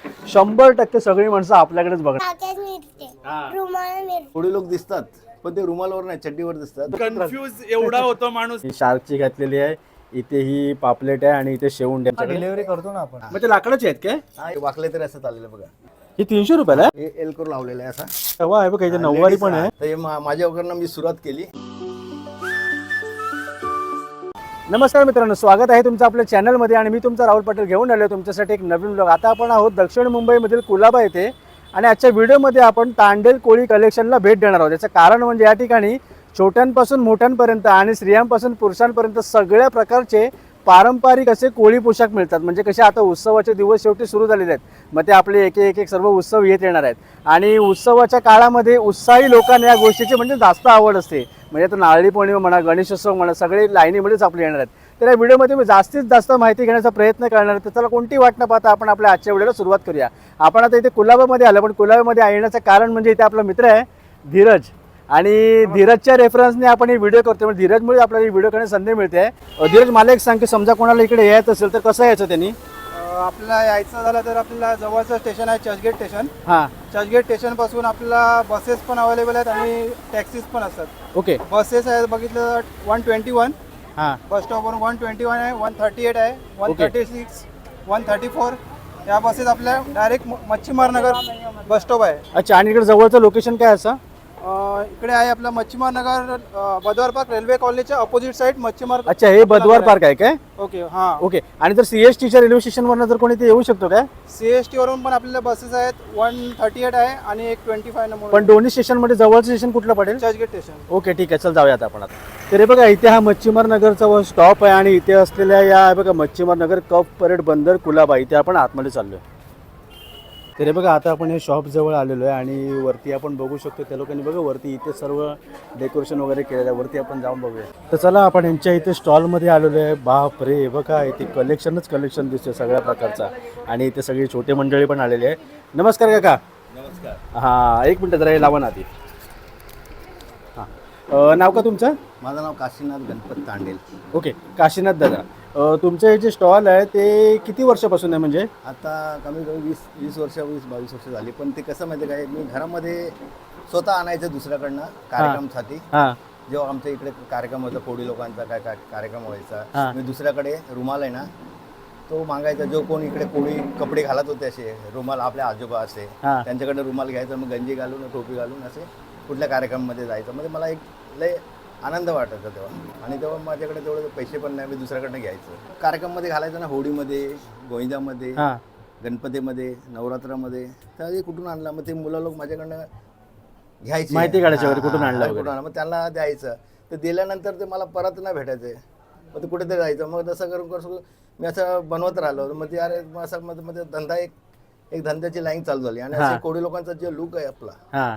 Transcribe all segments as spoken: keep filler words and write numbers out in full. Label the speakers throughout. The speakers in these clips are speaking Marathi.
Speaker 1: शंभर टक्के सगळी माणसं आपल्याकडेच बघणार.
Speaker 2: थोडी लोक दिसतात पण ते रुमालावर नाही चड्डीवर दिसतात.
Speaker 3: कन्फ्यूज एवढा होतो माणूस.
Speaker 1: ही शार्कची घातलेली आहे, इथे ही पापलेट आहे आणि इथे शेवंडी.
Speaker 2: डिलिव्हरी करतो ना आपण.
Speaker 1: मग ते लाकडाचे आहेत काय?
Speaker 2: हा वाकले तरी असं चाललेलं बघा.
Speaker 1: ही तीनशे रुपयाला आहे.
Speaker 2: हे एल करून लावलेलं आहे असा.
Speaker 1: तेव्हा आहे बघा, इथे नऊवारी पण आहे.
Speaker 2: तर हे मा- माझ्या वगैरे मी सुरुवात केली.
Speaker 1: नमस्कार मित्रांनो, स्वागत आहे तुमचं आपल्या चॅनलमध्ये आणि मी तुमचा राहुल पाटील घेऊन आलो तुमच्यासाठी एक नवीन ब्लॉग. आता आपण आहोत दक्षिण मुंबईमधील कुलाबा येथे आणि आजच्या व्हिडिओमध्ये आपण तांडेल कोळी कलेक्शनला भेट देणार आहोत. याचं कारण म्हणजे या ठिकाणी छोट्यांपासून मोठ्यांपर्यंत आणि स्त्रियांपासून पुरुषांपर्यंत सगळ्या प्रकारचे पारंपरिक असे कोळी पोशाख मिळतात. म्हणजे कसे आता उत्सवाचे दिवस शेवटी सुरू झालेले आहेत, मग ते आपले एक एक एक सर्व उत्सव येत येणार आहेत आणि उत्सवाच्या काळामध्ये उत्साही लोकांना या गोष्टीची म्हणजे जास्त आवड असते. म्हणजे आता नारळी पौर्णिमा म्हणा, गणेशोत्सव म्हणा, सगळे लाईनीमध्येच आपले येणार आहेत. तर या व्हिडिओमध्ये मी जास्तीत जास्त माहिती घेण्याचा प्रयत्न करणार आहे. तर चला कोणती वाट न पाहता आपण आपल्या आजच्या व्हिडिओला सुरुवात करूया. आपण आता इथे कुलाबामध्ये आलो, पण कुलाबामध्ये येण्याचं कारण म्हणजे इथे आपला मित्र आहे धीरज आणि धीरजच्या रेफरन्सने आपण ही व्हिडिओ करतो. म्हणजे धीरजमुळे आपल्याला ही व्हिडिओ करण्याची संधी मिळते. धीरज, मला एक सांग की समजा कोणाला इकडे यायचं असेल तर कसं यायचं त्यांनी?
Speaker 4: आपल्याला यायचं झालं तर आपल्याला जवळचं स्टेशन आहे चर्चगेट स्टेशन.
Speaker 1: हां,
Speaker 4: चर्चगेट स्टेशन पासून आपल्याला बसेस पण अवेलेबल आहेत आणि टॅक्सीज पण असतात.
Speaker 1: ओके.
Speaker 4: बसेस आहेत बघितलं तर वन ट्वेंटी वन
Speaker 1: हां,
Speaker 4: बस स्टॉपवरून वन ट्वेंटी वन आहे, वन थर्टी एट आहे, one thirty six one thirty four या बसेस आपल्या direct Machhimar Nagar bus stop आहे.
Speaker 1: अच्छा. आणि इकडे जवळचं लोकेशन काय असं?
Speaker 4: अं, इकडे आहे आपलं मच्छीमार नगर बदवार पार्क रेल्वे कॉलनीच्या अपोजिट साईड मच्छीमार.
Speaker 1: अच्छा, हे बदवार पार्क आहे काय?
Speaker 4: ओके हां.
Speaker 1: ओके. आणि जर सीएसटीच्या रेल्वे स्टेशनवरनं जर कोणी ते येऊ शकतो काय?
Speaker 4: सी एस टी वरून पण आपल्याला बसेस आहेत. वन थर्टी एट आहे आणि एक ट्वेंटी फाय नंबर.
Speaker 1: पण दोन्ही स्टेशनमध्ये जवळचं स्टेशन कुठलं पडेल?
Speaker 4: चर्चगेट स्टेशन.
Speaker 1: ओके, ठीक आहे, चल जाऊया आता आपण. आता तर हे बघा, इथे हा मच्छीमार नगरचा स्टॉप आहे आणि इथे असलेल्या या हे बघा मच्छीमार नगर कप परेड बंदर कुलाबा, इथे आपण आतमध्ये चाललो आहे. तर हे बघा, आता आपण हे शॉप जवळ आलेलो आहे आणि वरती आपण बघू शकतो त्या लोकांनी बघा वरती इथे सर्व डेकोरेशन वगैरे केलेलं आहे. वरती आपण जाऊन बघूया. तर चला आपण यांच्या इथे स्टॉलमध्ये आलेलो आहे. बाप रे, बघा इथे कलेक्शनच कलेक्शन दिसतं सगळ्या प्रकारचा आणि इथे सगळी छोटे मंडळी पण आलेली आहे. नमस्कार काका.
Speaker 2: नमस्कार.
Speaker 1: हां, एक मिनटं जरा हे लावा ना आधी. हां, नाव का तुमचं?
Speaker 2: माझं नाव काशीनाथ गणपत तांडेल.
Speaker 1: ओके, काशीनाथ दादा. तुमचं हे जे स्टॉल आहे ते किती वर्षापासून आहे? म्हणजे
Speaker 2: आता कमी कमी वीस वीस वर्ष वीस बावीस वर्ष झाली. पण ते कसं माहिती काय, मी घरामध्ये स्वतः आणायचं दुसऱ्याकडनं कार्यक्रमसाठी.
Speaker 1: हां,
Speaker 2: जेव्हा आमच्या इकडे कार्यक्रम होता, कोळी लोकांचा काय काय कार्यक्रम
Speaker 1: हा.
Speaker 2: व्हायचा, मी दुसऱ्याकडे रुमाल आहे ना तो मागायचा. जो कोण इकडे कोळी कपडे घालत होते असे रुमाल, आपले आजोबा असे,
Speaker 1: हा.
Speaker 2: त्यांच्याकडे रुमाल घ्यायचा, मग गंजी घालून टोपी घालून असे कुठल्या कार्यक्रममध्ये जायचं. म्हणजे मला एक लय आनंद वाटायचा तेव्हा. आणि तेव्हा माझ्याकडे तेवढे पैसे पण नाही, मी दुसऱ्याकडनं घ्यायचं. कार्यक्रममध्ये घालायचं ना, होळीमध्ये, गोविंदामध्ये,
Speaker 1: हां,
Speaker 2: गणपतीमध्ये, नवरात्रामध्ये. तर हे कुठून आणलं, मग ते मुलं लोक माझ्याकडनं घ्यायची
Speaker 1: माहिती काढायची वगैरे, कुठून आणलं
Speaker 2: कुठून आणलं, मग त्यांना द्यायचं. ते दिल्यानंतर ते मला परत नाही भेटायचे, मग ते कुठेतरी जायचं. मग तसं करून कसं मी असं बनवत राहिलो. मग ते अरे मग असं मध्ये मध्ये धंदा एक एक धंद्याची लाईन चालू झाली. आणि असे कोळी लोकांचा जे लुक आहे आपला,
Speaker 1: हां,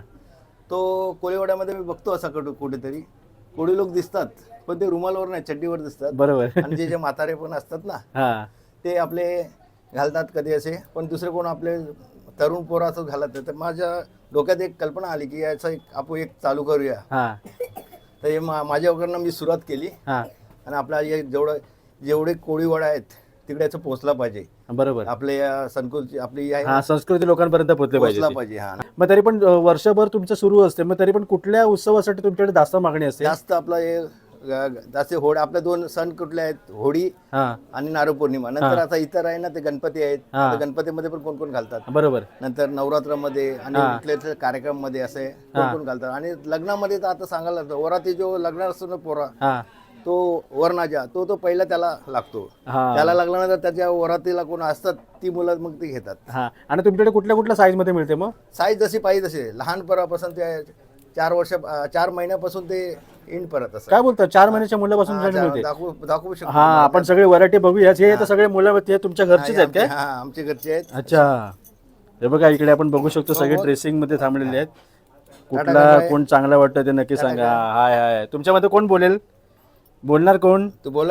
Speaker 2: तो कोळीवाड्यामध्ये मी बघतो असा कुठं कुठेतरी कोळी लोक दिसतात पण ते रुमालावर नाही चड्डीवर दिसतात.
Speaker 1: बरोबर.
Speaker 2: आणि जे जे म्हातारे पण असतात ना
Speaker 1: हां,
Speaker 2: ते आपले घालतात कधी असे, पण दुसरे कोण आपले तरुण पोरं असं घालत नाही. तर माझ्या डोक्यात एक कल्पना आली की याचं एक आपण एक चालू करूया.
Speaker 1: हां,
Speaker 2: तर हे मा माझ्या वगैरे मी सुरुवात केली.
Speaker 1: हां,
Speaker 2: आणि आपल्या हे जेवढं जेवढे कोळीवाडा आहेत तिकडे याचं पोहोचला पाहिजे.
Speaker 1: बरोबर.
Speaker 2: आपले या संस्कृती आपली आहे
Speaker 1: हां, संस्कृती लोकांपर्यंत पोहोचले
Speaker 2: पोहोचला
Speaker 1: पाहिजे.
Speaker 2: पाहिजे. हा,
Speaker 1: मग तरी पण अ, वर्षभर तुमचं सुरू असते, मग तरी पण कुठल्या उत्सवासाठी तुमच्याकडे जास्त मागणी असते?
Speaker 2: जास्त आपला हे ग- जास्त होळी, आपले दोन सण कुठले आहेत, होळी
Speaker 1: हां,
Speaker 2: आणि नारळ पौर्णिमा. नंतर आता इतर आहे ना ते गणपती आहेत.
Speaker 1: हा.
Speaker 2: आता गणपतीमध्ये पण कोण कोण घालतात.
Speaker 1: बरोबर.
Speaker 2: नंतर नवरात्रामध्ये आणि
Speaker 1: हा.
Speaker 2: कुठल्या कुठल्या कार्यक्रममध्ये असे कोण कोण घालतात. आणि लग्नामध्ये तर आता सांगायला लागतं, वराती जो लग्न असतो ना पोरा,
Speaker 1: हां,
Speaker 2: तो वरनाजा तो तो पहिला त्याला लागतो.
Speaker 1: हां,
Speaker 2: त्याला लागल्यानंतर त्याच्या वरातीला कोण असतात ती मुलं मग ती घेतात.
Speaker 1: हां. आणि तुमच्याकडे कुठल्या कुठल्या साईजमध्ये मिळते मग?
Speaker 2: साईज जशी पाहिजे तसे, लहानपणापासून ते चार वर्ष चार महिन्यापासून ते इंड परत असं
Speaker 1: काय बोलतो, चार महिन्याच्या मुलापासून
Speaker 2: हा,
Speaker 1: तुमच्याकडे मिळते?
Speaker 2: दाखवू दाखवू शकतो.
Speaker 1: हां, आपण सगळे व्हरायटी बघूया. हे तर सगळे मुलं ते तुमच्या घरचीच आहेत काय?
Speaker 2: हा, आमचे घरचे आहेत.
Speaker 1: अच्छा. हे बघा इकडे आपण बघू शकतो सगळे ड्रेसिंग मध्ये थांबलेले आहेत. कुठला कोण चांगला वाटतं ते नक्की सांगा. हाय हाय, तुमच्यामध्ये कोण बोलेल? बोलणार कोण?
Speaker 2: तू बोल.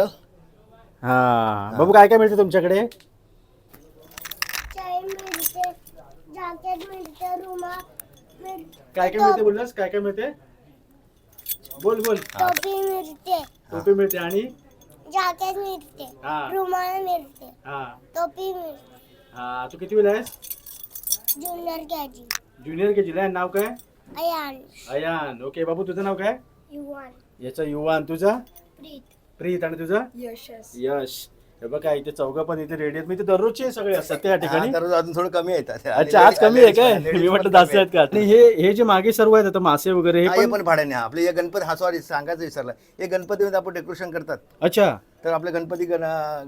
Speaker 1: हा, बाबू काय काय मिळते तुमच्याकडे? काय काय मिळते बोललास? काय काय मिळते? बोल बोल.
Speaker 5: टोपी मिळते,
Speaker 1: टोपी मिळते आणि
Speaker 5: जॅकेट मिळते,
Speaker 1: हा
Speaker 5: रुमाल मिळते,
Speaker 1: हा
Speaker 5: टोपी मिळते.
Speaker 1: हा. तू किती वेळ आहेस?
Speaker 5: Junior K G
Speaker 1: junior K जिला नाव काय?
Speaker 5: अयान
Speaker 1: अयान. ओके बाबू तुझं नाव काय?
Speaker 5: युवान
Speaker 1: याचं युवान. तुझं?
Speaker 5: प्रीत
Speaker 1: प्रीत. आणि तुझं?
Speaker 5: यशस
Speaker 1: यश. हे बघा इथे चौघं पण इथे रेडी आहेत. मी ते दररोजचे सगळे असतात त्या ठिकाणी.
Speaker 2: हा, तर अजून थोडं कमी येतात.
Speaker 1: अच्छा आज कमी आहे काय? मी म्हटलं जास्त आहेत का? आणि हे हे जे मागे सर्व आहेत आता मासे वगैरे
Speaker 2: हा,
Speaker 1: हे
Speaker 2: हे
Speaker 1: पण.
Speaker 2: पण भाड्याने. हा, आपले हे गणपती हा सॉरी सांगायचं विसरलं. हे गणपतीमध्ये आपण डेकोरेशन करतात.
Speaker 1: अच्छा.
Speaker 2: तर आपले गणपती गण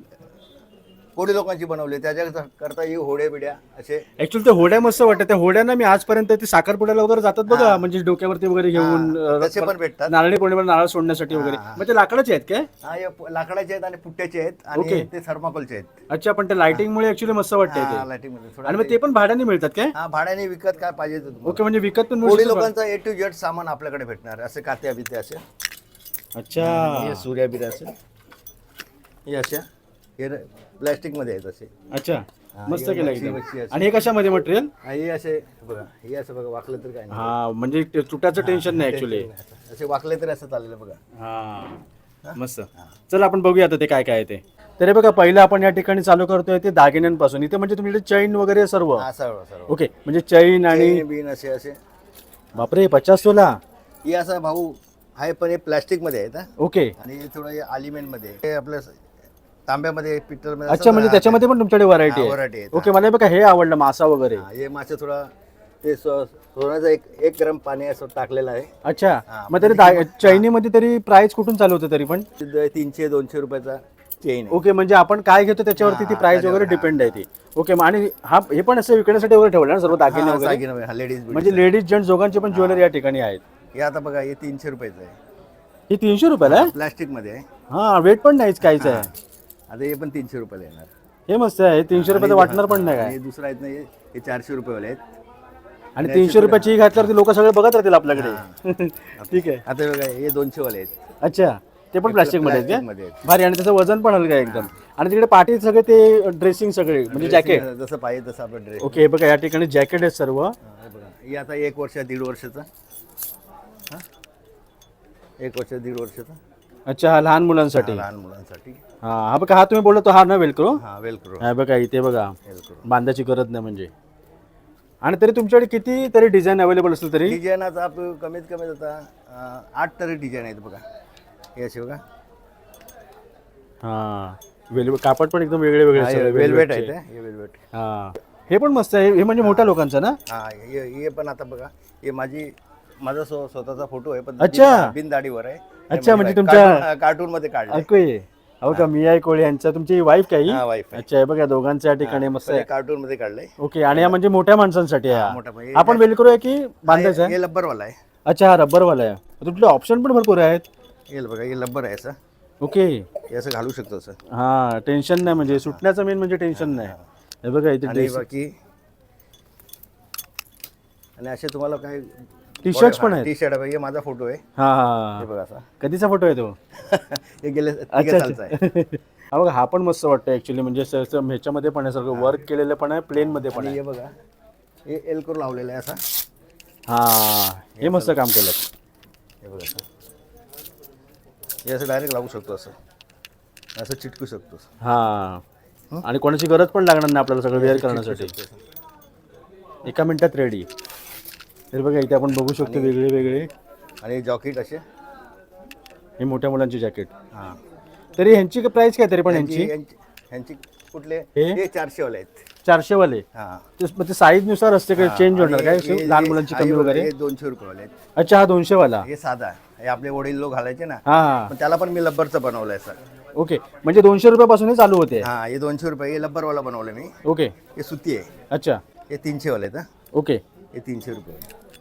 Speaker 2: कोळी लोकांची बनवले त्याच्या करता ही होडे बिड्या असे.
Speaker 1: ऍक्च्युअली ते होड्या मस्त वाटतात. त्या होड्यांना मी आजपर्यंत ते साखरपुड्याला वगैरे जातात बघा,
Speaker 2: हा.
Speaker 1: म्हणजे डोक्यावरती वगैरे घेऊन
Speaker 2: हा,
Speaker 1: अं,
Speaker 2: तसे पण भेटतात.
Speaker 1: नारळी पौर्णिमेला नारळ सोडण्यासाठी वगैरे.
Speaker 2: हा.
Speaker 1: मग ते लाकडाचे आहेत काय?
Speaker 2: हा हे लाकडाचे आहेत आणि पुट्ट्याचे आहेत
Speaker 1: ओके.
Speaker 2: आणि ते थर्माकोलचे आहेत.
Speaker 1: अच्छा पण ते लाइटिंगमुळे ऍक्च्युली मस्त वाटते
Speaker 2: हा,
Speaker 1: ते.
Speaker 2: लाईटीमध्ये थोडं
Speaker 1: आणि मग ते पण भाड्याने मिळतात काय?
Speaker 2: हा भाड्याने विकत काय पाहिजे ते तुम्हाला.
Speaker 1: ओके म्हणजे विकत पण मिळू
Speaker 2: कोळी
Speaker 1: शकतं का?
Speaker 2: लोकांचा ए टू जेड सामान आपल्याकडे भेटणार असे कात्या बित्या असे.
Speaker 1: अच्छा.
Speaker 2: हे सूर्या बिर्या असे हे अशा हे प्लॅस्टिक मध्ये आहेत असे.
Speaker 1: अच्छा
Speaker 2: हा,
Speaker 1: मस्त
Speaker 2: हे
Speaker 1: केलं
Speaker 2: मच्छी-
Speaker 1: एकदम.
Speaker 2: मच्छी अशी.
Speaker 1: आणि हे कशामध्ये मटेरियल?
Speaker 2: हा, हे असे बघा हे असं बघा वाकलं तर काय नाही.
Speaker 1: हा म्हणजे ते तुटाचं टेन्शन नाही ऍक्च्युली.
Speaker 2: असे वाकले तरी असं चाललेलं बघा.
Speaker 1: हा मस्त. चल आपण बघूया आता ते काय काय आहे ते. तर हे बघा पहिलं आपण या ठिकाणी चालू करतोय ते दागिन्यांपासून. इथे म्हणजे तुमच्याकडे चैन वगैरे सर्व.
Speaker 2: हा सर्व सर्व
Speaker 1: ओके म्हणजे चैन आणि
Speaker 2: चेन, बीन असे असे.
Speaker 1: बापरे पचास तोला.
Speaker 2: हे असं भाऊ आहे पण हे प्लॅस्टिक मध्ये आहेत हा.
Speaker 1: ओके.
Speaker 2: आणि हे थोडं आलिमेंट मध्ये हे आपलं तांब्यामध्ये पितळ मध्ये
Speaker 1: अच्छा म्हणजे त्याच्यामध्ये पण तुमच्याकडे व्हरायटी
Speaker 2: हा,
Speaker 1: आहे.
Speaker 2: variety आहेत.
Speaker 1: ओके मला हे बघा हे आवडलं मासा वगैरे.
Speaker 2: हे मासे थोडा ते सो- सोन्याचं एक एक गरम पाणी असं टाकलेलं आहे.
Speaker 1: अच्छा
Speaker 2: हा,
Speaker 1: मग तरी दा- चैनीमध्ये तरी प्राइस कुठून चालू होतं तरी पण?
Speaker 2: तिथं तीनशे दोनशे रुपयाचा चेन आहे.
Speaker 1: ओके म्हणजे आपण काय घेतो त्याच्यावरती ती
Speaker 2: हा,
Speaker 1: प्राइस वगैरे
Speaker 2: त्याच्यावर,
Speaker 1: डिपेंड आहे ती. ओके मग आणि हा हे पण असं विकण्यासाठी वगैरे ठेवलं ना सर्व दागिने
Speaker 2: हा,
Speaker 1: वगैरे?
Speaker 2: दागिने, हा, लेडीज
Speaker 1: म्हणजे लेडीज जेंट्स दोघांचे पण ज्वेलरी या ठिकाणी आहेत.
Speaker 2: हे आता बघा हे तीनशे रुपयाचं आहे.
Speaker 1: ही तीनशे रुपयाला आहे?
Speaker 2: प्लास्टिक मध्ये आहे.
Speaker 1: हा वेट पण नाहीच काहीच आहे.
Speaker 2: आता हे पण तीनशे रुपयाला येणार.
Speaker 1: हे मस्त आहे. हे तीनशे रुपयाचं वाटणार पण नाही
Speaker 2: आणि
Speaker 1: काय.
Speaker 2: हे दुसरं आहेत ना हे हे चारशे रुपयावाले आहेत.
Speaker 1: आणि तीनशे रुपयाची ही घातल्यावरती लोक सगळे बघत राहतील आपल्याकडे. ठीक आहे.
Speaker 2: आता बघा हे दोनशे वाले आहेत.
Speaker 1: अच्छा ते पण प्लास्टिक मध्ये आहेत
Speaker 2: plastic मध्ये
Speaker 1: का?
Speaker 2: आहेत.
Speaker 1: भारी. आणि त्याचं वजन पण हलकं आहे एकदम. आणि तिकडे पाठी सगळे ते ड्रेसिंग सगळे म्हणजे जॅकेट.
Speaker 2: जसं पाहिजे तसं आपलं ड्रेस.
Speaker 1: ओके हे बघा या ठिकाणी जॅकेट आहेत सर्व.
Speaker 2: बघा हे आता एक वर्ष दीड वर्षाचा. हा? एक वर्ष दीड वर्षाचा.
Speaker 1: अच्छा हा लहान मुलांसाठी.
Speaker 2: हा, लहान मुलांसाठी.
Speaker 1: हा हा बघा हा तुम्ही बोलला तो हा ना वेलक्रो.
Speaker 2: हा वेलक्रो
Speaker 1: हा बघा इथे बघा
Speaker 2: वेलक्रो.
Speaker 1: बांधायची गरज नाही म्हणजे. आणि तरी तुमच्याकडे किती तरी डिझाईन अवेलेबल असेल तरी?
Speaker 2: डिझाईनाचा आप कमीत कमी आता अं, आठ तरी डिझाईन आहेत बघा. हे असे बघा
Speaker 1: हा वेल कापड पण एकदम वेगळे वेगळे सगळे
Speaker 2: वेलवेट
Speaker 1: velvetचे.
Speaker 2: आहेत हे वेलवेट.
Speaker 1: हा हे पण मस्त आहे. हे म्हणजे मोठ्या लोकांचं ना?
Speaker 2: हा हे हे पण आता बघा हे माझी माझा स्व- स्वतःचा फोटो आहे पण
Speaker 1: अच्छा.
Speaker 2: बिन- बिन दाढीवर आहे.
Speaker 1: अच्छा, म्हणजे तुमच्या-
Speaker 2: कार्टून मध्ये काढलं.
Speaker 1: ओके हो का मी आहे कोळी यांचा तुमची वाईफ काही?
Speaker 2: हा वाईफ आहे.
Speaker 1: अच्छा हे बघा दोघांच्या या ठिकाणी मस्त आहे.
Speaker 2: कार्टून मध्ये काढलंय.
Speaker 1: ओके आणि हा म्हणजे मोठ्या माणसांसाठी आहे
Speaker 2: हा,
Speaker 1: हा.
Speaker 2: मोठा म्हणजे-
Speaker 1: आपण वेलक्रो आहे की बांधायचा आहे?
Speaker 2: हे लब्बरवाला आहे.
Speaker 1: अच्छा हा रब्बरवाला आहे. तुमचे ऑप्शन पण भरपूर आहेत.
Speaker 2: हे बघा हे लब्बर आहे असं.
Speaker 1: ओके
Speaker 2: हे असं घालू शकतो असं.
Speaker 1: हा टेन्शन नाही म्हणजे सुटण्याचं मेन म्हणजे टेन्शन नाही. हे बघा इथे
Speaker 2: आणि
Speaker 1: ड्रेस
Speaker 2: बाकी आणि असे तुम्हाला काय
Speaker 1: टी शर्ट्स पण आहेत.
Speaker 2: टी शर्ट हे माझा फोटो आहे.
Speaker 1: हा हा
Speaker 2: हे बघा असा.
Speaker 1: कधीचा फोटो आहे तो?
Speaker 2: हे गेले तिघे
Speaker 1: अच्छा
Speaker 2: सालचा आहे.
Speaker 1: अच्छा. हा बघा हा पण मस्त वाटतं ऍक्च्युली म्हणजे स- स- ह्याच्यामध्ये पण आहे सगळं वर्क केलेलं पण आहे प्लेन मध्ये पण
Speaker 2: आणि
Speaker 1: आहे.
Speaker 2: हे बघा हे एल्कोर लावलेलं आहे असा.
Speaker 1: हा हे मस्त काम केलं.
Speaker 2: हे बघा असं. हे असं डायरेक्ट लावू शकतो असं असं चिटकू शकतो.
Speaker 1: हा आणि कोणाची गरज पण लागणार नाही आपल्याला सगळं वेअर करण्यासाठी. एका मिनिटात रेडी. तर बघा इथे आपण बघू शकतो वेगळे वेगळे.
Speaker 2: आणि जॉकेट असे.
Speaker 1: हे मोठ्या मुलांची जॅकेट.
Speaker 2: हां
Speaker 1: तरी ह्यांची प्राइस काय तरी पण
Speaker 2: यांची
Speaker 1: ह्यांची?
Speaker 2: यांची ह्यांची कुठले
Speaker 1: हे?
Speaker 2: हे चारशे वाले आहेत.
Speaker 1: चारशे वाले.
Speaker 2: हां
Speaker 1: ते मग ते साईज नुसार असते का चेंज होणार
Speaker 2: आणि
Speaker 1: काय
Speaker 2: हे-
Speaker 1: लहान
Speaker 2: हे-
Speaker 1: मुलांची
Speaker 2: हे
Speaker 1: कमी
Speaker 2: बघा,
Speaker 1: वगैरे?
Speaker 2: हे दोनशे रुपये वाले आहेत.
Speaker 1: अच्छा हा दोनशे वाला.
Speaker 2: हे साधा हे आपले वडील लोक घालायचे ना.
Speaker 1: हा हा
Speaker 2: पण त्याला पण मी लब्बरचं बनवलंय सर.
Speaker 1: ओके म्हणजे दोनशे रुपयापासून चालू होते.
Speaker 2: हां हे दोनशे रुपये हे लब्बरवाला बनवलं मी.
Speaker 1: ओके
Speaker 2: हे सुती आहे.
Speaker 1: अच्छा
Speaker 2: हे तीनशे वाले आहेत. हां
Speaker 1: ओके
Speaker 2: हे तीनशे रुपये.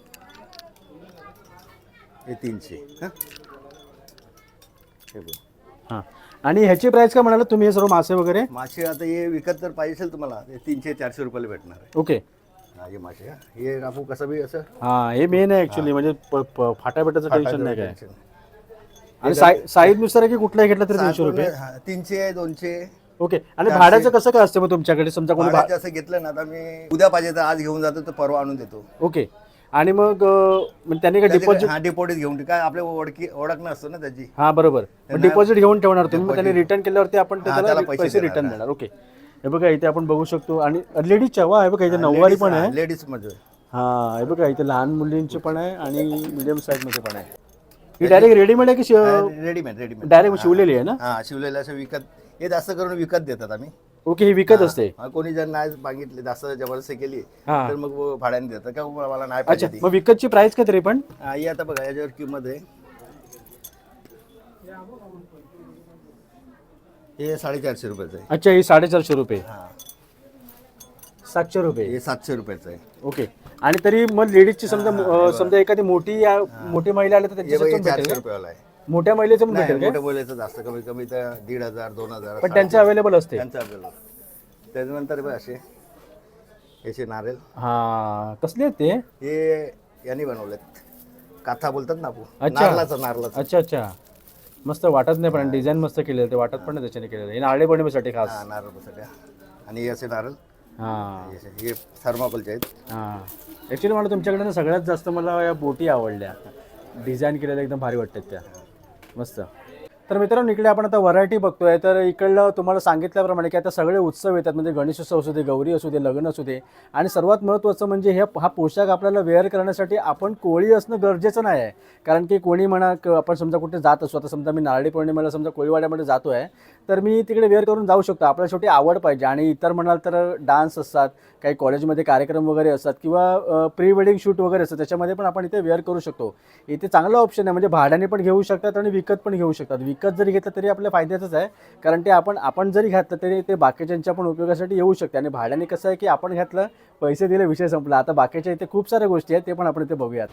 Speaker 2: हे तीनशे. हां हे बघ
Speaker 1: हां आणि ह्याची प्राइस काय म्हणाला तुम्ही हे सर्व मासे वगैरे?
Speaker 2: मासे आता हे विकत जर पाहिजे असेल तुम्हाला ते तीनशे चारशे रुपयाला भेटणार आहे.
Speaker 1: ओके
Speaker 2: हा हे मासे हा. हे आपण कसं बी असं
Speaker 1: हा हे मेन आहे ऍक्च्युली म्हणजे प- प- फाटाफाटाचं टेन्शन नाही काय.
Speaker 2: टेन्शन.
Speaker 1: आणि साईज नुसार आहे की कुठलाही घेतला तरी तीनशे रुपये?
Speaker 2: हा, तीनशे दोनशे.
Speaker 1: ओके आणि भाड्याचं कसं काय असतं मग तुमच्याकडे समजा कोणी भा-
Speaker 2: भाड्याचं असं घेतलं ना आता मी उद्या पाहिजे तर आज घेऊन जातो तर परवा आणून देतो.
Speaker 1: ओके आणि मग अं, म्हणजे त्यांनी काय डिपॉझिट?
Speaker 2: हा डिपॉझिट घेऊन ठेव. काय आपल्या ओळखी ओळख नसतो ना त्याची.
Speaker 1: हा बरोबर
Speaker 2: त्यांना-
Speaker 1: डिपॉझिट घेऊन ठेवणार तुम्ही मग त्यांनी
Speaker 2: Deposit.
Speaker 1: रिटर्न केल्यावरती आपण ते
Speaker 2: हा,
Speaker 1: त्याला
Speaker 2: त्याला पैसे
Speaker 1: पैसे
Speaker 2: देणार.
Speaker 1: रिटर्न देणार. ओके हे बघा इथे आपण बघू शकतो आणि लेडीजच्या वा हे बघा इथे नऊवारी पण आहे.
Speaker 2: लेडीज मध्ये
Speaker 1: हा हे बघा इथे लहान मुलींचे पण आहे आणि मिडियम साईज मध्ये पण आहे. ही डायरेक्ट रेडीमेड आहे की
Speaker 2: रेडीमेड रेडीमेड
Speaker 1: डायरेक्ट शिवलेली आहे ना?
Speaker 2: हा शिवलेलं असं विकत हे जास्त करून विकत देतात आम्ही.
Speaker 1: ओके, ही विकत असते.
Speaker 2: हा, कोणी जर नाही मागितले जास्त जबरदस्ती केली
Speaker 1: हा.
Speaker 2: तर मग भाड्याने देतात का मला नाही
Speaker 1: अच्छा,
Speaker 2: पाहिजे ती.
Speaker 1: मग विकतची प्राइस काय तरी पण?
Speaker 2: हा, ही आता बघा याच्यावर किंमत आहे हे साडेचारशे रुपयाचं आहे.
Speaker 1: अच्छा, ही साडेचारशे रुपये,
Speaker 2: हा
Speaker 1: सातशे रुपये.
Speaker 2: हे सातशे रुपयाचं आहे.
Speaker 1: ओके. आणि तरी मग लेडीजची समजा अं, समजा एखादी मोठी या- मोठी महिला आली तर
Speaker 2: हे बघा,
Speaker 1: त्यांच्यासाठी
Speaker 2: हे
Speaker 1: पण भेटेल
Speaker 2: चारशे
Speaker 1: का?
Speaker 2: रुपयाला आहे.
Speaker 1: मोठ्या महिलेचं पण
Speaker 2: नाही
Speaker 1: भेटेल
Speaker 2: मोठ्या
Speaker 1: का?
Speaker 2: बोलायचं जास्त कमी कमी तर दीड हजार दोन हजार
Speaker 1: पण त्यांचं अवेलेबल असते.
Speaker 2: त्यांचं आपल्याला त्याच्यानंतर बघ असे याचे नारळ
Speaker 1: हा, कसले आहेत ते?
Speaker 2: हे यांनी बनवलेत काथा बोलतात ना आपण
Speaker 1: अच्छा.
Speaker 2: नारळाचं नारळाचं
Speaker 1: अच्छा अच्छा, मस्त वाटत नाही पण डिझाईन मस्त केलेलं ते वाटत पण नाही त्याच्याने केलेलं. हे नारळी पौर्णिमेसाठी खास.
Speaker 2: हा नारळ सगळ्या आणि हे असे नारळ
Speaker 1: हा
Speaker 2: हे असे- हे थर्माकोलचे आहेत.
Speaker 1: हा, ॲक्च्युली मला तुमच्याकडे ना सगळ्यात जास्त मला या बोटी आवडल्या. डिझाईन केलेल्या एकदम भारी वाटतात त्या, मस्त. तर मित्रांनो इकडे आपण आता व्हरायटी बघतोय. तर इकडलं तुम्हाला सांगितल्याप्रमाणे की आता सगळे उत्सव येतात, म्हणजे गणेशोत्सव असू दे, गौरी असू दे, लग्न असू दे. आणि सर्वात महत्त्वाचं म्हणजे हे हा पोशाख आपल्याला वेअर करण्यासाठी आपण कोळी असणं गरजेचं नाही आहे. कारण की कोणी म्हणा क- आपण समजा कुठे जात असू, आता समजा मी नारळी पौर्णिमेला समजा कोळीवाड्यामध्ये जातो आहे तर मी तिकडे वेअर करून जाऊ शकतो. आपल्याला शेवटी आवड पाहिजे. आणि इतर म्हणाल तर डान्स असतात, काही कॉलेजमध्ये कार्यक्रम वगैरे असतात किंवा प्री वेडिंग शूट वगैरे असतं, त्याच्यामध्ये पण आपण इथे वेअर करू शकतो. इथे चांगला ऑप्शन आहे, म्हणजे भाड्याने पण घेऊ शकतात आणि विकत पण घेऊ शकतात. विकत जरी घेतलं तरी आपल्या फायद्याचंच आहे, कारण ते आपण आपण जरी घातलं तरी ते बाकीच्यांच्या पण उपयोगासाठी येऊ शकते. आणि भाड्याने कसं आहे की आपण घातलं, पैसे दिले, विषय संपला. आता बाकीच्या इथे खूप साऱ्या गोष्टी आहेत, ते पण आपण इथे बघूयात.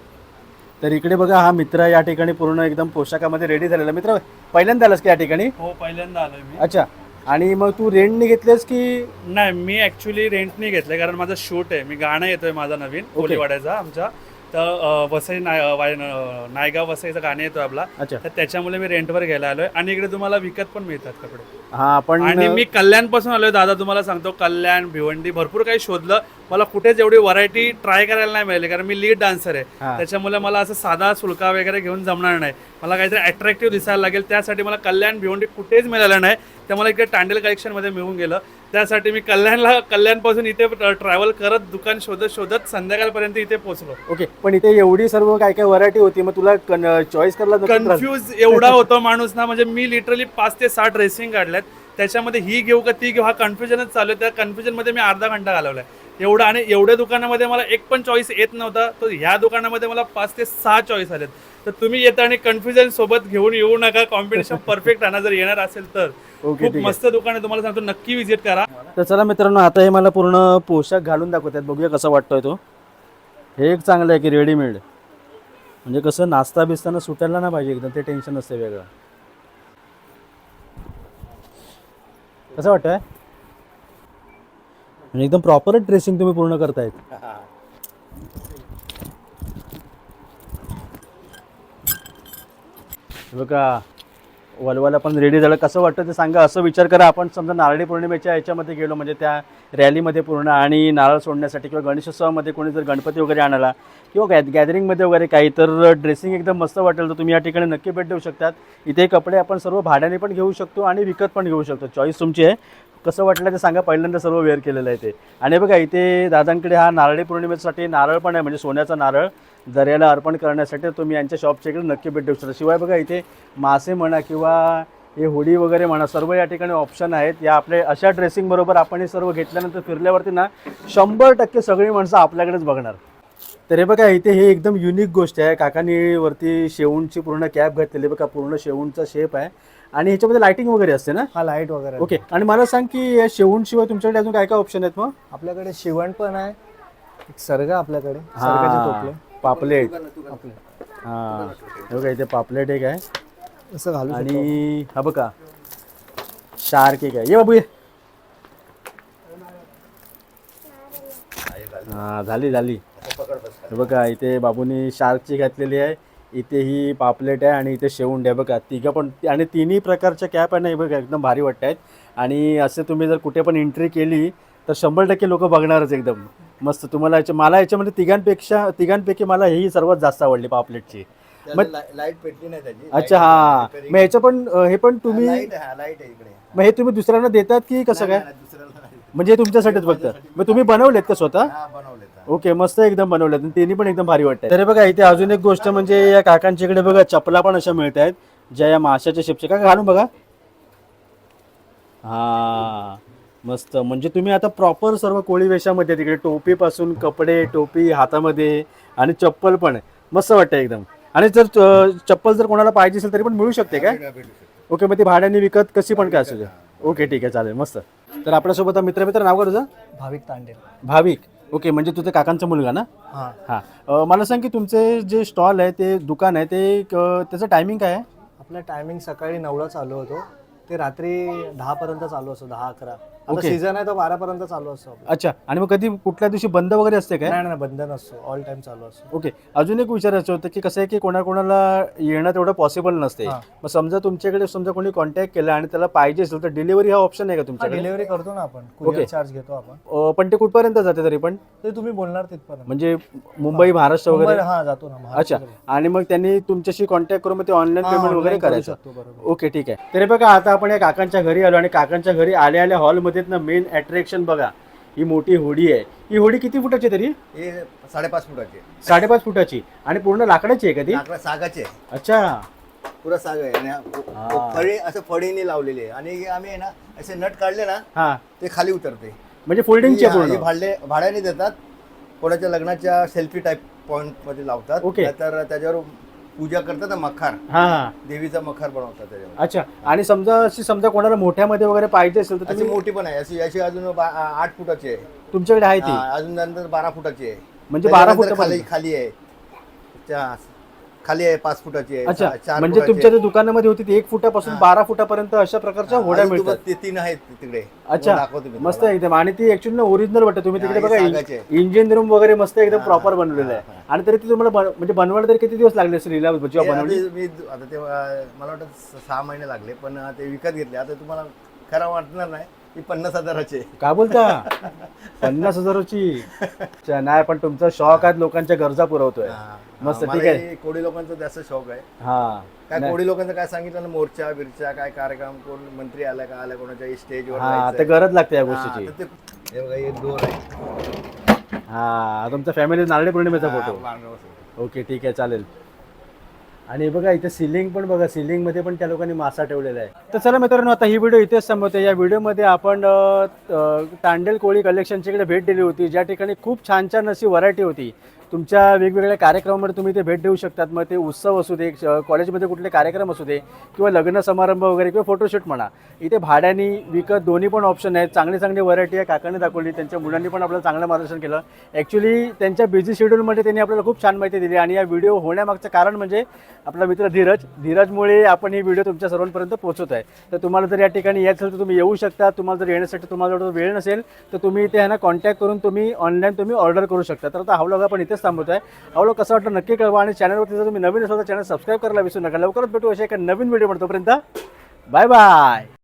Speaker 1: तर इकडे बघा हा मित्र या ठिकाणी पूर्ण एकदम पोशाखामध्ये रेडी झालेला. मित्र पहिल्यांदा आलास की या ठिकाणी?
Speaker 3: हो, पहिल्यांदा आलोय मी.
Speaker 1: अच्छा, आणि मग तू रेंटने घेतलेस की?
Speaker 3: नाही, मी ऍक्च्युली रेंटने घेतलंय कारण माझं शूट आहे. मी गाणं येतोय माझा नवीन कोलीवाड्याचा आमच्या. तर अ, वसई नाय अ, वाय- अ, नायगाव वसईचं गाणं येतोय आपला.
Speaker 1: अच्छा.
Speaker 3: तर त्याच्यामुळे मी रेंटवर घ्यायला आलोय. आणि इकडे तुम्हाला विकत पण मिळतात कपडे.
Speaker 1: हा, पण
Speaker 3: आणि मी कल्याणपासून आलोय दादा, तुम्हाला सांगतो. कल्याण, भिवंडी भरपूर काही शोधलं. मला कुठेच एवढी व्हरायटी ट्राय करायला नाही मिळाली, कारण मी लीड डान्सर आहे.
Speaker 1: हा.
Speaker 3: त्याच्यामुळे मला असं साधा सुलका वगैरे घेऊन जमणार नाही. मला काहीतरी अट्रॅक्टिव्ह दिसायला लागेल. त्यासाठी मला कल्याण भिवंडी कुठेच मिळालं नाही. तर मला इकडे टांडेल कलेक्शनमध्ये मिळून गेलं. त्यासाठी मी कल्याणला कल्याणपासून इथे ट्रॅव्हल करत दुकान शोधत शोधत संध्याकाळपर्यंत इथे पोहोचलो.
Speaker 1: ओके. पण इथे एवढी सर्व काय काय व्हरायटी होती, मग तुला चॉईस करायला नक्की त्रास-
Speaker 3: कन्फ्यूज एवढा होतो माणूस ना, म्हणजे मी लिटरली पाच ते सहा ड्रेसिंग काढल्यात. त्याच्यामध्ये ही घेऊ का ती घेऊ हा कन्फ्युजनच चालू आहे. त्या कन्फ्युजनमध्ये मी अर्धा घंटा घालवलाय. एवढं, आणि एवढ्या दुकानामध्ये मला एक पण चॉईस येत नव्हता. तर ह्या दुकानामध्ये मला पाच ते सहा चॉईस आलेत. तर तुम्ही येता आणि कन्फ्युजन सोबत घेऊन येऊ नका. कॉम्पिटिशन परफेक्ट राहणार जर येणार असेल तर.
Speaker 1: ओके,
Speaker 3: खूप
Speaker 1: ठीक आहे.
Speaker 3: मस्त दुकान आहे, तुम्हाला सांगतो नक्की विजिट करा.
Speaker 1: तर चला मित्रांनो, आता हे मला पूर्ण पोशाख घालून दाखवतात, बघूया कसा वाटतोय तो. हे एक चांगलं आहे की रेडीमेड, म्हणजे कसं नाश्ता बिस्ताना सुटायला ना पाहिजे एकदम, ते टेन्शन नसते वेगळं. कसं वाटतंय? म्हणजे एकदम प्रॉपरच ड्रेसिंग तुम्ही पूर्ण करतायत. हे बघा वलवाला पण रेडी झालं. कसं वाटतं ते सांगा. असं विचार करा, आपण समजा नारळी पौर्णिमेच्या याच्यामध्ये गेलो, म्हणजे त्या रॅलीमध्ये पूर्ण, आणि नारळ सोडण्यासाठी किंवा गणेशोत्सवामध्ये कोणी जर गणपती वगैरे आणाला किंवा गॅ गॅदरिंगमध्ये वगैरे काही, तर ड्रेसिंग एकदम मस्त वाटेल. तर तुम्ही या ठिकाणी नक्की भेट देऊ शकतात. इथे कपडे आपण सर्व भाड्याने पण घेऊ शकतो आणि विकत पण घेऊ शकतो. चॉईस तुमची आहे. कसं वाटलं ते सांगा. पहिल्यांदा सर्व वेअर केलेलं आहे ते. आणि बघा इथे दादांकडे हा नारळी पौर्णिमेसाठी नारळ पण आहे, म्हणजे सोन्याचा नारळ दर्याला अर्पण करण्यासाठी. तुम्ही यांच्या शॉपच्या इकडे नक्की भेट देऊ शकता. शिवाय बघा इथे मासे म्हणा किंवा हे होडी वगैरे म्हणा, सर्व या ठिकाणी ऑप्शन आहेत. या आपले अशा ड्रेसिंग बरोबर आपण हे सर्व घेतल्यानंतर फिरल्यावरती ना शंभर टक्के सगळी माणसं आपल्याकडेच बघणार. तर हे बघा इथे हे एकदम युनिक गोष्ट आहे. काकांनी वरती शेवूनची पूर्ण कॅप घातलेली बघा, पूर्ण शेवूनचा शेप आहे. आणि ह्याच्यामध्ये लाइटिंग वगैरे असते ना?
Speaker 4: हा लाईट वगैरे.
Speaker 1: ओके. आणि मला सांग की या शेवूनशिवाय तुमच्याकडे अजून काय काय ऑप्शन आहेत मग?
Speaker 4: आपल्याकडे शिवण पण आहे, एक सर्ग आपल्याकडे,
Speaker 1: हा,
Speaker 4: सर्गाचे टोपले,
Speaker 1: पापलेट.
Speaker 4: आपले
Speaker 1: हा, हे बघा इथे पापलेट एक आहे.
Speaker 4: असं घालू शकतो.
Speaker 1: आणि हा बघा शार्क एक आहे. ये बाबू ये. हा, झाली झाली. हे बघा इथे बाबूनी शार्कची घातलेली आहे. इथे ही पापलेट आहे आणि इथे शेवंड आहे बघा. तिघं पण, आणि तिन्ही प्रकारच्या कॅप आहे ना, हे बघा एकदम भारी वाटत आहेत. आणि असे तुम्ही जर कुठे पण एंट्री केली तर शंभर टक्के लोक बघणारच एकदम मस्त. तुम्हाला याच्या मला याच्यामध्ये तिघांपेक्षा तिघांपैकी मला ही सर्वात जास्त आवडली पापलेटची.
Speaker 2: त्याला ला- लाईट पेटली नाही त्याची.
Speaker 1: अच्छा, हा. मग ह्याचं पण अं, हे पण तुम्ही
Speaker 2: लाईट हा लाईट आहे इकडे.
Speaker 1: मग हे तुम्ही दुसऱ्यांना देतात की कसं काय?
Speaker 2: नाही, नाही, दुसऱ्याला
Speaker 1: म्हणजे हे तुमच्यासाठीच फक्त मग तुम्ही बनवलेत का स्वतः?
Speaker 2: हा बनवले
Speaker 1: ओके, मस्त एकदम बनवलेत आणि त्यांनी पण एकदम भारी वाटतं. तर बघा इथे अजून एक गोष्ट म्हणजे या काकांच्या इकडे बघा चपला पण अशा मिळत आहेत ज्या या माशाच्या शेपच्या. का घालून बघा. हा मस्त. म्हणजे तुम्ही आता प्रॉपर सर्व कोळी वेशामध्ये तिकडे टोपीपासून कपडे, टोपी हातामध्ये आणि चप्पल पण मस्त वाटतं एकदम. आणि जर अं, चप्पल जर कोणाला पाहिजे असेल तरी पण मिळू शकते काय? ओके, मग ती भाड्याने विकत कशी पण काय असू दे. ओके ठीक आहे, चालेल मस्त. तर आपल्यासोबत मित्र मित्र नाव का तुझं?
Speaker 4: भाविक तांडेल.
Speaker 1: भाविक. ओके, म्हणजे तुझ्या काकांचा मुलगा ना?
Speaker 4: हां.
Speaker 1: हां. अं, मला सांग की तुमचे जे स्टॉल आहे ते दुकान आहे ते क- त्याचं टायमिंग काय आहे?
Speaker 5: आपलं टायमिंग सकाळी नऊला चालू होतो ते रात्री दहा पर्यंत चालू असतो, दहा अकरा. आता
Speaker 1: ओके.
Speaker 5: सीझन आहे तो बारा पर्यंत चालू असतो आपलं.
Speaker 1: अच्छा. आणि मग कधी कुठल्या दिवशी बंद वगैरे असते काय?
Speaker 5: नाही नाही बंद नसतो, ऑल टाइम चालू असतो.
Speaker 1: ओके. अजून एक विचारायचं होतं की कसं आहे की कोणाकोणाला येणं तेवढं पॉसिबल नसते.
Speaker 5: हां.
Speaker 1: मग समजा तुमच्याकडे समजा कोणी कॉन्टॅक्ट केला आणि त्याला पाहिजे असेल तर डिलिव्हरी हा ऑप्शन आहे का तुमच्याकडे?
Speaker 5: डिलिव्हरी करतो ना आपण,
Speaker 1: ओके.
Speaker 5: कुरिअर चार्ज घेतो आपण.
Speaker 1: अं, पण ते कुठपर्यंत जाते तरी पण?
Speaker 5: ते तुम्ही बोलणार तिथपर्यंत.
Speaker 1: म्हणजे मुंबई महाराष्ट्र वगैरे?
Speaker 5: मुंबई- हा जातो ना
Speaker 1: अच्छा.
Speaker 5: महाराष्ट्राकडे.
Speaker 1: आणि मग त्यांनी तुमच्याशी कॉन्टॅक्ट करून मग ते ऑनलाईन
Speaker 5: हां,
Speaker 1: पेमेंट वगैरे
Speaker 5: online करू
Speaker 1: करायचं?
Speaker 5: शकतो, बरोबर.
Speaker 1: ओके ठीक आहे. तरी बघा आता आपण या काकांच्या घरी आलो आणि काकांच्या घरी आल्या आल्या हॉलमध्ये ना मेन अट्रॅक्शन बघा ही मोठी होडी आहे. ही होडी किती फुटाची तरी?
Speaker 2: हे साडेपाच फुटाचे
Speaker 1: साडेपाच फुटाची. आणि पूर्ण लाकडाची आहे का ती?
Speaker 2: लाकडा सागाचे आहे.
Speaker 1: अच्छा.
Speaker 2: पुरा साग आहे आणि हा-
Speaker 1: हा.
Speaker 2: फळी असं फळीने लावलेली आहे आणि आम्ही आहे ना असे नट काढले ना
Speaker 1: हा,
Speaker 2: ते खाली उतरते.
Speaker 1: म्हणजे फोल्डिंगची
Speaker 2: ही- हा, ही
Speaker 1: पूर्ण?
Speaker 2: भाडले भाड्याने देतात. कोणाच्या लग्नाच्या सेल्फी टाईप पॉइंट मध्ये लावतात.
Speaker 1: ओके.
Speaker 2: तर त्याच्यावर पूजा करतात ना, मखार,
Speaker 1: हा हा.
Speaker 2: देवीचा मखार बनवतात त्याच्यावर.
Speaker 1: अच्छा. आणि समजा अशी समजा कोणाला मोठ्यामध्ये वगैरे पाहिजे असेल तर
Speaker 2: अशी
Speaker 1: तुम्ही
Speaker 2: मोठी पण आहे, अशी अशी अजून बा- आ- आठ फुटाची आहे.
Speaker 1: तुमच्याकडे आहे ती?
Speaker 2: हा, अजून नंतर बारा फुटाची आहे.
Speaker 1: म्हणजे बारा
Speaker 2: त्याच्यानंतर
Speaker 1: फुटापर्यंत?
Speaker 2: खाली खाली आहे त्या- खाली आहे पाच फुटाची आहे.
Speaker 1: अच्छा.
Speaker 2: चा- चार
Speaker 1: म्हणजे
Speaker 2: फुटाची
Speaker 1: तुमच्या
Speaker 2: आहे.
Speaker 1: ज्या दुकानामध्ये होती ती एक फुटापासून
Speaker 2: हा.
Speaker 1: बारा फुटापर्यंत अशा प्रकारच्या होड्या
Speaker 2: अजून
Speaker 1: मिळतात?
Speaker 2: तुम्हाला ते तीन आहेत तिकडे.
Speaker 1: अच्छा.
Speaker 2: दाखवतो मी
Speaker 1: मस्त
Speaker 2: तुम्हाला.
Speaker 1: एकदम. आणि ती ऍक्च्युअली ओरिजिनल वाटतं. तुम्ही
Speaker 2: हा,
Speaker 1: तिकडे
Speaker 2: हे
Speaker 1: बघा
Speaker 2: सागाचे.
Speaker 1: इंजिन रूम वगैरे मस्त एकदम
Speaker 2: हा,
Speaker 1: प्रॉपर
Speaker 2: हा,
Speaker 1: बनवलेलं
Speaker 2: हा,
Speaker 1: आहे.
Speaker 2: हा.
Speaker 1: आणि तरी ती तुम्हाला बन- म्हणजे बनवायला तरी किती दिवस लागले असेल हिला जेव्हा
Speaker 2: हे
Speaker 1: बनवली?
Speaker 2: आधी मी आता ते अं, मला वाटतं स- सहा महिने लागले, पण ते विकत घेतले. आता तुम्हाला खरं वाटणार नाही, ही पन्नास हजाराचे.
Speaker 1: काय बोलता? पन्नास हजाराची? अच्छा, नाही पण तुमचा शॉक आहे लोकांच्या गरजा पुरवतोय. मस्त, ठीक आहे.
Speaker 2: मला कोळी लोकांचा जास्त शौक आहे.
Speaker 1: हा.
Speaker 2: काय
Speaker 1: नाही.
Speaker 2: कोळी लोकांचं काय सांगितलं ना, मोर्चा बिरचा काय कार्यक्रम, कोण मंत्री आला का आला, कोणाच्या स्टेजवर
Speaker 1: हा, ते गरज लागते या
Speaker 2: हा,
Speaker 1: गोष्टीची.
Speaker 2: तर ते- हे बघा, हे दोर आहे.
Speaker 1: हा, तुमच्या फॅमिली नारळी पौर्णिमेचा
Speaker 2: हा,
Speaker 1: फोटो.
Speaker 2: पांढरा.
Speaker 1: ओके ठीक आहे, चालेल. आणि बघा इथे सिलिंग पण बघा, सिलिंग मध्ये पण त्या लोकांनी मासा ठेवलेला आहे. तर चला मित्रांनो, आता ही व्हिडिओ इथेच संपवते. या व्हिडिओमध्ये आपण अ, अ, तांडेल कोळी कलेक्शनच्या इकडे भेट दिली होती, ज्या ठिकाणी खूप छान छान अशी व्हरायटी होती. तुमच्या वेगवेगळ्या कार्यक्रमामध्ये तुम्ही ते भेट देऊ शकतात. मग ते उत्सव असू दे, श- कॉलेजमध्ये कुठले कार्यक्रम असू दे, किंवा लग्न समारंभ वगैरे, किंवा फोटोशूट म्हणा, इथे भाड्याने विकत दोन्ही पण ऑप्शन आहेत. चांगली चांगली व्हरायटी आहे, काकाने दाखवली. त्यांच्या मुलांनी पण आपल्याला चांगलं मार्गदर्शन केलं. ॲक्च्युली त्यांच्या बिझी शेड्यूलमध्ये त्यांनी आपल्याला खूप छान माहिती दिली. आणि या व्हिडिओ होण्यामागचं कारण म्हणजे आपला मित्र धीरज. धीरजमुळे आपण ही व्हिडिओ तुमच्या सर्वांपर्यंत पोहोचवत आहे. तर तुम्हाला जर या ठिकाणी यायचं असेल तर तुम्ही येऊ शकता. तुम्हाला जर येण्यासाठी तुम्हाला जर वेळ नसेल तर तुम्ही इथे ह्यांना कॉन्टॅक्ट करून तुम्ही ऑनलाईन तुम्ही ऑर्डर करू शकता. तर आता हा व्लॉग आपण इथेच थांबवतो आहे. हा व्लॉग कसा वाटलं नक्की कळवा. आणि चॅनलवरती जर तुम्ही नवीन असाल तर चॅनल सबस्क्राईब करायला विसरू नका. लवकरच भेटू अशा एका नवीन व्हिडिओ. तोपर्यंत बाय बाय.